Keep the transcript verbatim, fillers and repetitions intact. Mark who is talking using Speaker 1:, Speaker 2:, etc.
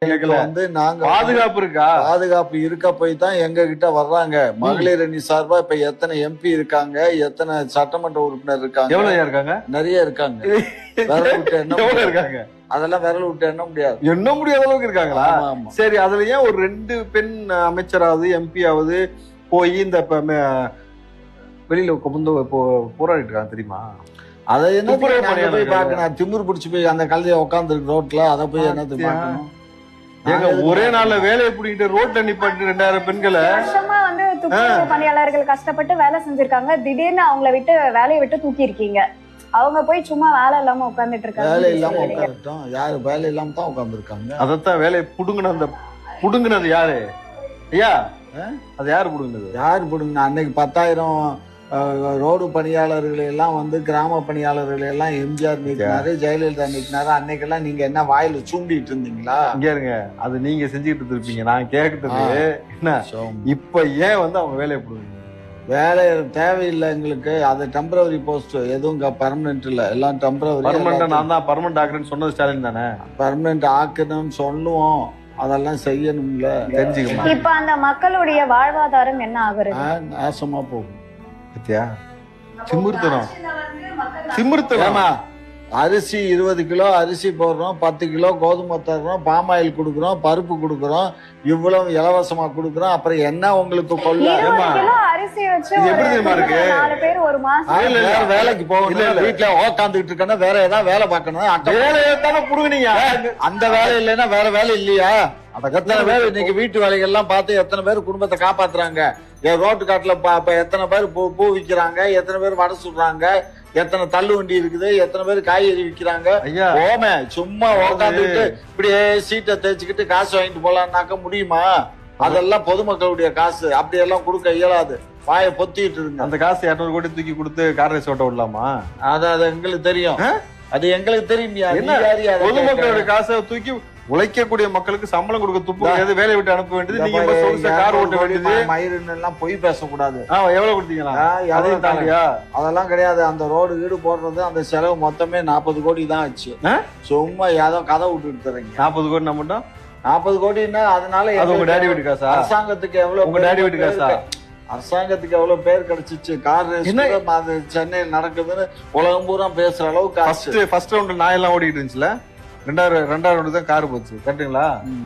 Speaker 1: வந்து நாங்க
Speaker 2: பாதுகாப்பு இருக்கா?
Speaker 1: பாதுகாப்பு இருக்க போய் தான் எங்க கிட்ட வர்றாங்க. மகளிர் அணி சார்பா இப்ப எத்தனை எம்பி இருக்காங்க, எத்தனை சட்டமன்ற உறுப்பினர் இருக்காங்க,
Speaker 2: எவ்வளவு இருக்காங்க?
Speaker 1: நிறைய இருக்காங்க. விரல் விட்டு எண்ண
Speaker 2: எவ்வளவு
Speaker 1: முடியாது.
Speaker 2: இருக்காங்க?
Speaker 1: அதெல்லாம் விரல் விட்டு எண்ண முடியாது.
Speaker 2: எண்ண முடியாத அளவுக்கு இருக்காங்களா?
Speaker 1: ஆமா, ஆமா.
Speaker 2: சரி, அதுல ஏன் ஒரு ரெண்டு பெண் அமைச்சராவது எம்பி ஆவது போய் இந்த இப்ப மே- வெளியில வந்து போராடிட்டு இருக்காங்க தெரியுமா?
Speaker 1: அதை என்ன
Speaker 2: துப்புரவு
Speaker 1: நாங்க போய்
Speaker 2: பணியாளர்கள்.
Speaker 1: பாக்கணும்? திமிர் பிடிச்சு போய் அந்த கழுதைய உட்கார்ந்து இருக்கு ரோட்ல, அதை போய் என்னத்துக்கு
Speaker 2: பாத்தியா?
Speaker 1: பாக்கணும்?
Speaker 2: ஏங்க ஒரே நாள்ல வேலையை பிடிக்கிட்டு ரோட்ல நிப்பாட்டு ரெண்டாயிரம் பெண்களை
Speaker 3: வருஷமா வந்து துப்புரவு பணியாளர்கள் கஷ்டப்பட்டு வேலை செஞ்சிருக்காங்க. திடீர்னு அவங்கள விட்டு வேலையை விட்டு தூக்கி இருக்கீங்க. அவங்க போய் சும்மா வேலை இல்லாம உட்கார்ந்துட்டு
Speaker 1: வேலை இல்லாம
Speaker 3: இருக்காங்க.
Speaker 1: உட்காரட்டும். யாரு வேலை இல்லாம தான் உட்கார்ந்து இருக்காங்க.
Speaker 2: அதத்தான் வேலையை புடுங்கின அந்த புடுங்கினது யாரு ஐயா? அது யாரு புடுங்கினது?
Speaker 1: யாரு போடுங்க? அன்னைக்கு பத்தாயிரம் அஹ், ரோடு பணியாளர்களை எல்லாம் வந்து கிராம பணியாளர்களை எல்லாம் எம்ஜிஆர் நீக்கினாரு, ஜெயலலிதா நீக்கினாரு. அன்னைக்கெல்லாம் நீங்க என்ன வாயில சூண்டிட்டு இருந்தீங்களா?
Speaker 2: இங்க இருங்க, அது நீங்க செஞ்சுக்கிட்டு இருப்பீங்க. நான் கேட்கறது என்ன, இப்ப ஏன் வந்து அவங்க வேலையை புடுங்க?
Speaker 1: வேலை தேவையில்லை எங்களுக்கு. அது டெம்பரவரி போஸ்ட், எதுவும் பர்மனன்ட் இல்ல, எல்லாம் டெம்பரவரி.
Speaker 2: பர்மனண்டா நான் தான் பர்மனன்ட் ஆக்குறேன்னு சொன்னது ஸ்டாலின் தானே.
Speaker 1: பர்மனன்ட் ஆக்கணும்னு சொல்லுவோம், அதெல்லாம் செய்யணும்ல.
Speaker 2: தெரிஞ்சுக்கமா
Speaker 3: இப்ப அந்த மக்களுடைய வாழ்வாதாரம் என்ன ஆகுறது?
Speaker 1: ஆஹ், நாசமா போகும்.
Speaker 2: பத்தியா? திமிர்த்தனம் திமிர்த்தனம்.
Speaker 1: ஏமா, அரிசி இருபது கிலோ அரிசி போடுறோம், பத்து கிலோ கோதுமை தர்றோம், பாமாயில் கொடுக்குறோம், பருப்பு கொடுக்குறோம், இவ்வளவு இலவசமா கொடுக்குறோம். அப்புறம் என்ன உங்களுக்கு கொள்ள?
Speaker 3: இருபது கிலோ அரிசி வச்சு
Speaker 2: இது
Speaker 3: ஒரு
Speaker 2: எப்படி தெரியுமா இருக்கு?
Speaker 3: நாலு பேர் ஒரு மாசம்
Speaker 2: இல்ல, இல்ல.
Speaker 1: வேற வேலைக்கு
Speaker 2: இல்ல, இல்ல.
Speaker 1: போகணும், வீட்டுல உக்காந்துட்டு இருக்கணும், வேற ஏதாவது வேலை பார்க்கணும். அக்க-
Speaker 2: வேலையை தானே புடுங்கினீங்க.
Speaker 1: அந்த வேலை இல்லைன்னா வேற வேலை இல்லையா? எத்தனை பேர் இன்னைக்கு வீட்டு வேலைகள் எல்லாம் பார்த்து எத்தனை பேர் குடும்பத்தை காப்பாத்துறாங்க? என் ரோட்டு காட்டுல பாப்ப எத்தனை பேர் பூ பூ விக்கிறாங்க, எத்தனை பேர் வடை சுடுறாங்க, எத்தனை தள்ளு வண்டி இருக்குது, எத்தனை பேர் காய்கறி விக்கிறாங்க.
Speaker 2: ஐயா,
Speaker 1: ஓமே சும்மா உட்காந்துட்டு இப்படியே சீட்டை தேய்ச்சிக்கிட்டு காசு வாங்கிட்டு போலான்னாக்க முடியுமா? அதெல்லாம் பொதுமக்களுடைய காசு, அப்படி எல்லாம் கொடுக்க இயலாது. வாயை பொத்திட்டு இருங்க.
Speaker 2: அந்த காசு இருநூறு கோடி தூக்கி கொடுத்து கார் ரேஸ் ஓட்ட விடலாமா?
Speaker 1: அது அது எங்களுக்கு தெரியும், அது எங்களுக்கு தெரியும்.
Speaker 2: என்ன பொதுமக்களுடைய காசை தூக்கி உழைக்கக்கூடிய மக்களுக்கு சம்பளம் கொடுக்க துப்பு கிடையாது, வேலையை விட்டு அனுப்ப வேண்டியது. நீங்க இப்ப சொகுசா கார் ஓட்ட வேண்டியது.
Speaker 1: மயிறுன்னு எல்லாம் பொய் பேசக்கூடாது.
Speaker 2: ஆஹ் எவ்வளவு கொடுத்தீங்களா? அதையும் தாண்டியா?
Speaker 1: அதெல்லாம் கிடையாது. அந்த ரோடு வீடு போடுறது அந்த செலவு மொத்தமே நாற்பது கோடி தான் ஆச்சு. சும்மா ஏதோ கதை விட்டுட்டு தரீங்க.
Speaker 2: நாற்பது கோடி நம்ம மட்டும்
Speaker 1: நாற்பது கோடின்னா அதனால
Speaker 2: அது உங்க டேடி வீட்டு காசா?
Speaker 1: அரசாங்கத்துக்கு எவ்வளவு
Speaker 2: உங்க டேடி வீட்டு காசா?
Speaker 1: அரசாங்கத்துக்கு எவ்வளவு பேர் கிடைச்சிச்சு. கார் ரேஸ் அது சென்னையில் நடக்குதுன்னு உலகம் பூரா பேசுற அளவுக்கு
Speaker 2: ஃபர்ஸ்ட் ஃபர்ஸ்ட் ரவுண்ட் நாயெல்லாம் ஓடிட்டு இருந்துச்சுல, ரெண்டாயிரம் ரெண்டாயிரம் ரவுண்டு தான் கார் போச்சு. கரெக்டுங்களா?